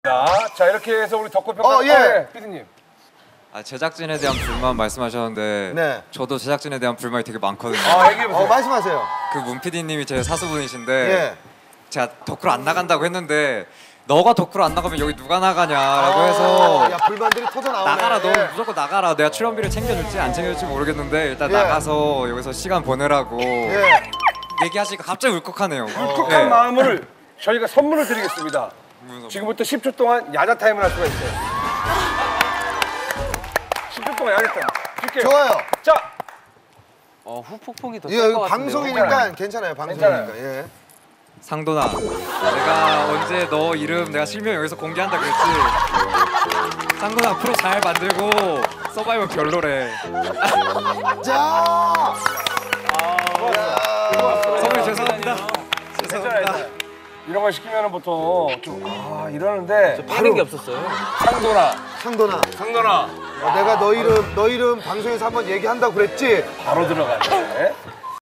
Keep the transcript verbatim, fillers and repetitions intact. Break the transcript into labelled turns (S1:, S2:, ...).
S1: 자, 이렇게 해서 우리 덕후평가.
S2: 어, 예.
S1: 피디님.
S3: 아, 제작진에 대한 불만 말씀하셨는데
S2: 네.
S3: 저도 제작진에 대한 불만이 되게 많거든요.
S1: 아, 얘기해보세요.
S2: 어, 말씀하세요.
S3: 그 문 피디님이 제 사수분이신데
S2: 예.
S3: 제가 덕후로 안 나간다고 했는데 너가 덕후로 안 나가면 여기 누가 나가냐라고 해서
S2: 아, 야, 불만들이 터져 나오네.
S3: 나가라, 너
S2: 예.
S3: 무조건 나가라. 내가 출연비를 챙겨줄지 안 챙겨줄지 모르겠는데 일단
S2: 예.
S3: 나가서 여기서 시간 보내라고
S2: 예.
S3: 얘기하시니까 갑자기 울컥하네요.
S1: 울컥한
S3: 예.
S1: 마음을 저희가 선물을 드리겠습니다.
S3: 무슨
S1: 지금부터 십 초 동안 야자 타임을 할 수가 있어요. 십 초 동안 야자 타임. 줄게요.
S2: 좋아요.
S1: 자,
S4: 어, 후폭풍이 더
S2: 이거
S4: 셀 것 같은데요.
S2: 방송이니까 괜찮아요. 방송이니까.
S1: 괜찮아요.
S2: 예.
S3: 상돈아, 내가 언제 너 이름 내가 실명 여기서 공개한다 그랬지? 상돈아, 프로 잘 만들고 서바이벌 별로래.
S2: 자.
S3: 선배님 죄송합니다.
S1: 괜찮아요. 이런 걸 시키면 보통 좀, 아, 이러는데.
S4: 빠른 게 없었어요.
S1: 상돈아,
S2: 상돈아.
S1: 상돈아.
S2: 어, 내가 너 이름 너 이름 방송에서 한번 얘기한다고 그랬지?
S1: 바로 들어가네.